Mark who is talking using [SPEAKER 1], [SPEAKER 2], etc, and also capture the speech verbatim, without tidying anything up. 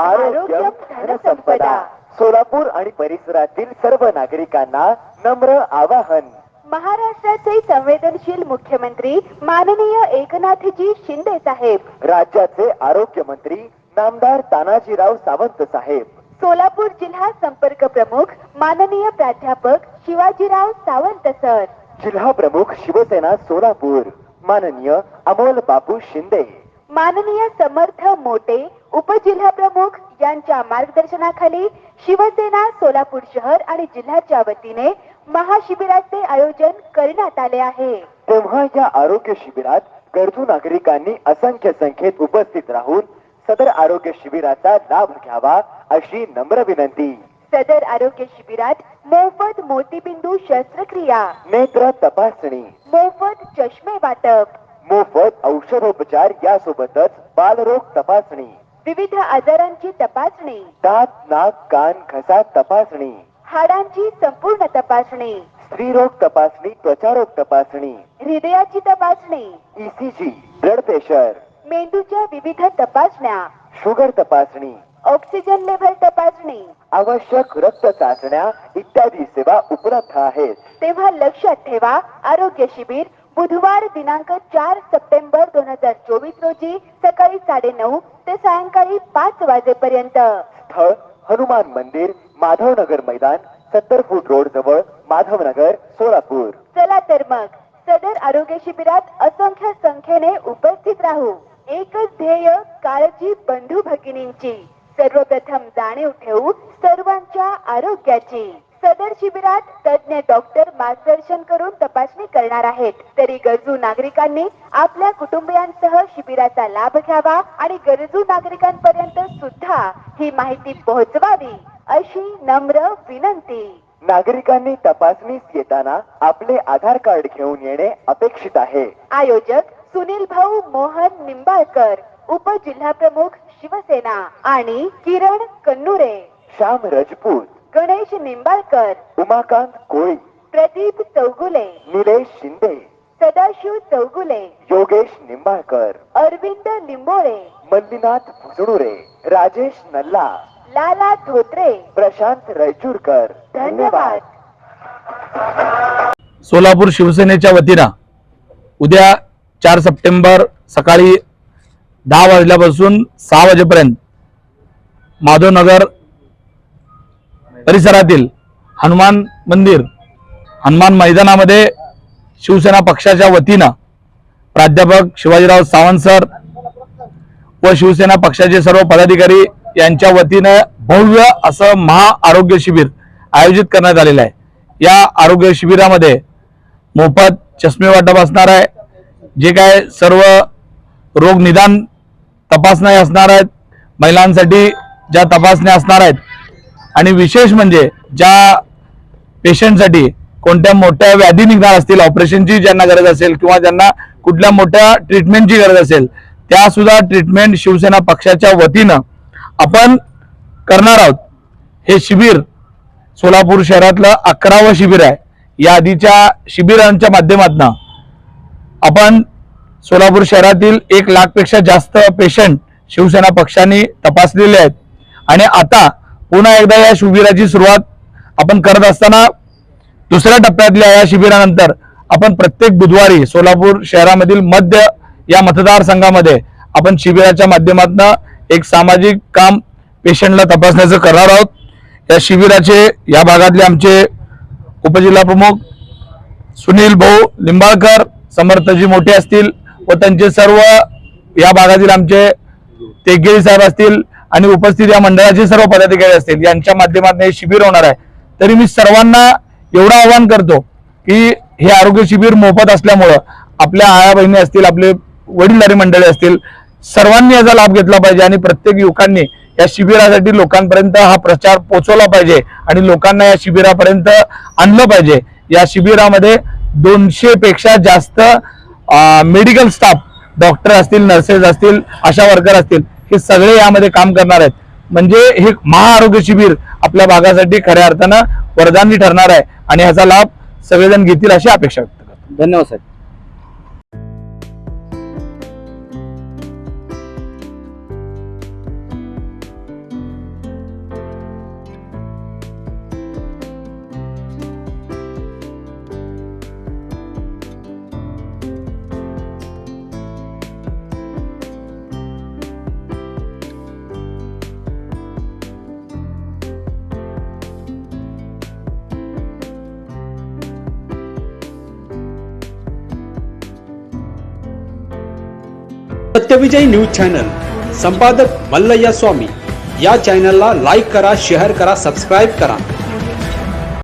[SPEAKER 1] आरोग्य धनसंपदा। सोलापूर आणि परिसरातील सर्व नागरिकांना नम्र आवाहन।
[SPEAKER 2] महाराष्ट्राचे संवेदनशील मुख्यमंत्री माननीय एकनाथजी शिंदे साहेब,
[SPEAKER 1] राज्याचे आरोग्य मंत्री नामदार तानाजीराव सावंत साहेब,
[SPEAKER 2] सोलापूर जिल्हा संपर्क प्रमुख माननीय प्राध्यापक शिवाजीराव सावंत सर,
[SPEAKER 1] जिल्हा प्रमुख शिवसेना सोलापूर माननीय अमोल बापू शिंदे,
[SPEAKER 2] माननीय समर्थ मोटे उपजिल्हा प्रमुख यांच्या मार्गदर्शनाखाली शिवसेना सोलापूर शहर आणि जिल्ह्याच्या वतीने महाशिबिराचे आयोजन करण्यात आले आहे।
[SPEAKER 1] तेव्हा या आरोग्य शिबिरात गरजू नागरिकांनी असंख्य संख्येत उपस्थित राहून सदर आरोग्य शिबिराचा लाभ घ्यावा अशी नम्र विनंती।
[SPEAKER 2] सदर आरोग्य शिबिरात मोफत मोतीबिंदू शस्त्रक्रिया,
[SPEAKER 1] नेत्र तपासणी,
[SPEAKER 2] मोफत चष्मे वाटप,
[SPEAKER 1] मोफत औषधोपचार यासोबतच बालरोग तपासणी,
[SPEAKER 2] विविध आजारांची तपासणी,
[SPEAKER 1] दात नाक कान घसा तपासणी,
[SPEAKER 2] हाडांची संपूर्ण तपासणी,
[SPEAKER 1] स्त्रीरोग तपासणी, त्वचारोग तपासणी,
[SPEAKER 2] हृदयाची तपासणी,
[SPEAKER 1] ईसीजी, ब्लड प्रेशर,
[SPEAKER 2] मेंदूच्या विविध तपासण्या,
[SPEAKER 1] शुगर तपासणी,
[SPEAKER 2] ऑक्सिजन लेव्हल तपासणी,
[SPEAKER 1] आवश्यक रक्त चाचण्या इत्यादी सेवा उपलब्ध आहेत।
[SPEAKER 2] तेव्हा लक्षात ठेवा, आरोग्य शिबिर बुधवार दिनांक चार सप्टेंबर दोन हजार चोवीस रोजी सकाळी साडे नऊ ते सायंकाळी पाच वाजेपर्यंत।
[SPEAKER 1] स्थळ हनुमान मंदिर, माधवनगर मैदान, सत्तर फूट रोड जवळ, माधवनगर, सोलापूर।
[SPEAKER 2] चला तर मग सदर आरोग्य शिबिरात असंख्य संख्येने उपस्थित राहू। एकच ध्येय, काळजी बंधू भगिनींची, सर्वप्रथम जाणीव ठेवू सर्वांच्या आरोग्याची। सदर शिबिरात तज्ञ डॉक्टर मार्गदर्शन करून तपासणी करणार आहेत, तरी गरजू नागरिकांनी आपल्या कुटुंबियांसह शिबिराचा लाभ घ्यावा आणि गरजू नागरिकांपर्यंत सुद्धा ही माहिती पोहोचवावी अशी नम्र विनंती।
[SPEAKER 1] नागरिकांनी तपासणीस येताना आपले आधार कार्ड घेऊन येणे अपेक्षित आहे।
[SPEAKER 2] आयोजक सुनील भाऊ मोहन निंबाळकर, उपजिल्हा प्रमुख शिवसेना, आणि किरण कन्नुरे,
[SPEAKER 1] श्याम राजपूत,
[SPEAKER 2] गणेश निंबाळकर,
[SPEAKER 1] उमाकांत कोळी,
[SPEAKER 2] प्रदीप चौगुले,
[SPEAKER 1] निलेश शिंदे,
[SPEAKER 2] सदाशिव चौगुले,
[SPEAKER 1] योगेश निंबाळकर,
[SPEAKER 2] अरविंद लिंबोळे,
[SPEAKER 1] मल्लीनाथ भुजणुरे, राजेश नल्ला,
[SPEAKER 2] लाला धोत्रे,
[SPEAKER 1] प्रशांत रैचूरकर।
[SPEAKER 2] धन्यवाद।
[SPEAKER 3] सोलापूर शिवसेनेच्या वतीनं उद्या चार सप्टेंबर सकाळी दहा वाजल्यापासून सहा वाजेपर्यंत माधवनगर परिसरातील हनुमान मंदिर हनुमान मैदानामध्ये शिवसेना पक्षाच्या वतीनं प्राध्यापक शिवाजीराव सावंत सर व शिवसेना पक्षाचे सर्व पदाधिकारी यांच्या वतीनं भव्य असं महा आरोग्य शिबिर आयोजित करण्यात आलेलं आहे। या आरोग्य शिबिरामध्ये मोफत चष्मे वाटप असणार आहे, जे काय सर्व रोग निदान तपासण्या असणार आहेत, महिलांसाठी ज्या तपासण्या असणार आहेत, आणि विशेष म्हणजे ज्या पेशंटसाठी कोणत्या मोठ्या व्याधी निघणार असतील, ऑपरेशनची ज्यांना गरज असेल किंवा ज्यांना कुठल्या मोठ्या ट्रीटमेंटची गरज असेल, त्या सुद्धा ट्रीटमेंट शिवसेना पक्षाच्या वतीनं आपण करणार आहोत। हे शिबिर सोलापूर शहरातलं अकरावं शिबिर आहे। या आधीच्या शिबिरांच्या माध्यमातून आपण सोलापूर शहरातील एक लाख पेक्षा जास्त पेशंट शिवसेना पक्षाने तपासलेले आहेत, आणि आता पुन्हा एकदा या शिबिराची सुरुवात आपण करत असताना दुसऱ्या टप्प्यातल्या या शिबिरानंतर आपण प्रत्येक बुधवारी सोलापूर शहरामधील मध्य या मतदारसंघामध्ये आपण शिबिराच्या माध्यमातून एक सामाजिक काम पेशंटला तपासण्याचं करणार आहोत। या शिबिराचे या भागातले आमचे उपजिल्हा प्रमुख सुनील भाऊ लिंबाळकर, समर्थजी मोठे असतील व त्यांचे सर्व या भागातील आमचे तेगेरी साहेब असतील आणि उपस्थित या मंडळाचे सर्व पदाधिकारी असतील, यांच्या माध्यमातून हे शिबिर होणार आहे। तरी मी सर्वांना एवढं आवाहन करतो की हे आरोग्य शिबिर मोफत असल्यामुळं आपल्या आया बहिणी असतील, आपले वडीलधारी मंडळी असतील, सर्वांनी याचा लाभ घेतला पाहिजे आणि प्रत्येक युवकांनी या शिबिरासाठी लोकांपर्यंत हा प्रचार पोहोचवला पाहिजे आणि लोकांना या शिबिरापर्यंत आणलं पाहिजे। या शिबिरामध्ये दोनशे पेक्षा जास्त मेडिकल स्टाफ, डॉक्टर असतील, नर्सेस असतील, आशा वर्कर असतील, हे सगळे यामध्ये काम करणार आहेत। म्हणजे हे महाआरोग्य शिबिर आपल्या भागासाठी खऱ्या अर्थानं वरदानी ठरणार आहे आणि ह्याचा लाभ सगळेजण घेतील अशी अपेक्षा व्यक्त करतो।
[SPEAKER 4] धन्यवाद साहेब। सत्यविजय न्यूज चॅनल संपादक मल्लय्या स्वामी या चॅनलला लाईक करा, शेअर करा, सबस्क्राईब करा.